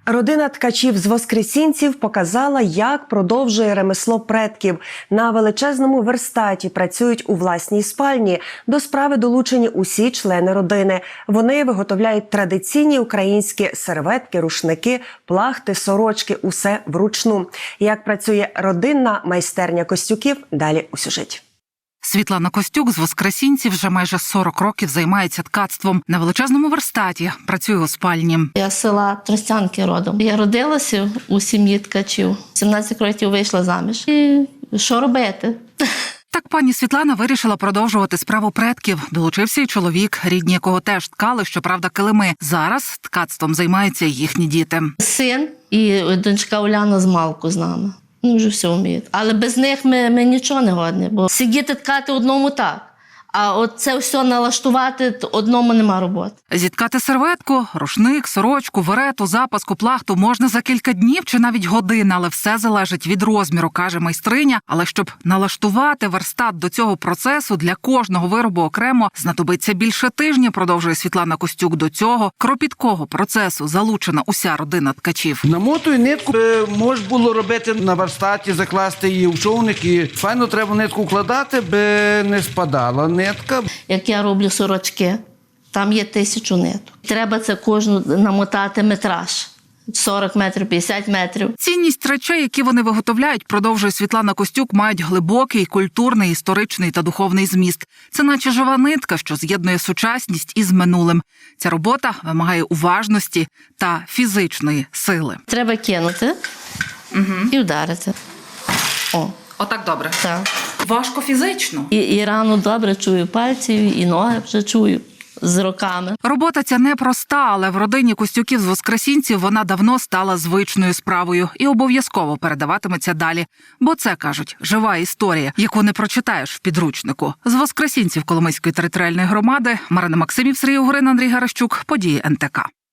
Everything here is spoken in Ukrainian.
Родина ткачів з Воскресінців показала, як продовжує ремесло предків. На величезному верстаті працюють у власній спальні. До справи долучені усі члени родини. Вони виготовляють традиційні українські серветки, рушники, плахти, сорочки – усе вручну. Як працює родинна майстерня Костюків – далі у сюжеті. Світлана Костюк з Воскресінців вже майже 40 років займається ткацтвом. На величезному верстаті працює у спальні. Я з села Тростянки родом. Я родилася у сім'ї ткачів. 17 років вийшла заміж. І що робити? Так пані Світлана вирішила продовжувати справу предків. Долучився й чоловік, рідні якого теж ткали, щоправда, килими. Зараз ткацтвом займаються й їхні діти. Син і донька Уляна з малку з нами. Вони вже все вміють. Але без них ми нічого не годні, бо сидіти ткати одному так, а от це все налаштувати одному нема роботи. Зіткати серветку, рушник, сорочку, верету, запаску, плахту можна за кілька днів чи навіть годин, але все залежить від розміру, каже майстриня. Але щоб налаштувати верстат до цього процесу, для кожного виробу окремо знадобиться більше тижня, продовжує Світлана Костюк. До цього кропіткого процесу залучена уся родина ткачів. Намотую нитку, можна було робити на верстаті, закласти її в човник, і файно треба нитку вкладати, би не спадала нитка. Як я роблю сорочки, там є 1000 ниток. Треба це кожну намотати метраж. 40 метрів, 50 метрів. Цінність речей, які вони виготовляють, продовжує Світлана Костюк, мають глибокий культурний, історичний та духовний зміст. Це наче жива нитка, що з'єднує сучасність із минулим. Ця робота вимагає уважності та фізичної сили. Треба кинути і вдарити. О. Отак добре. Так. Важко фізично. І рану добре чую пальців, і ноги вже чую з роками. Робота ця непроста, але в родині Костюків з Воскресінців вона давно стала звичною справою і обов'язково передаватиметься далі. Бо це, кажуть, жива історія, яку не прочитаєш в підручнику. З Воскресінців Коломийської територіальної громади Марина Максимів, Сергій Угрин, Андрій Гаращук. Події НТК.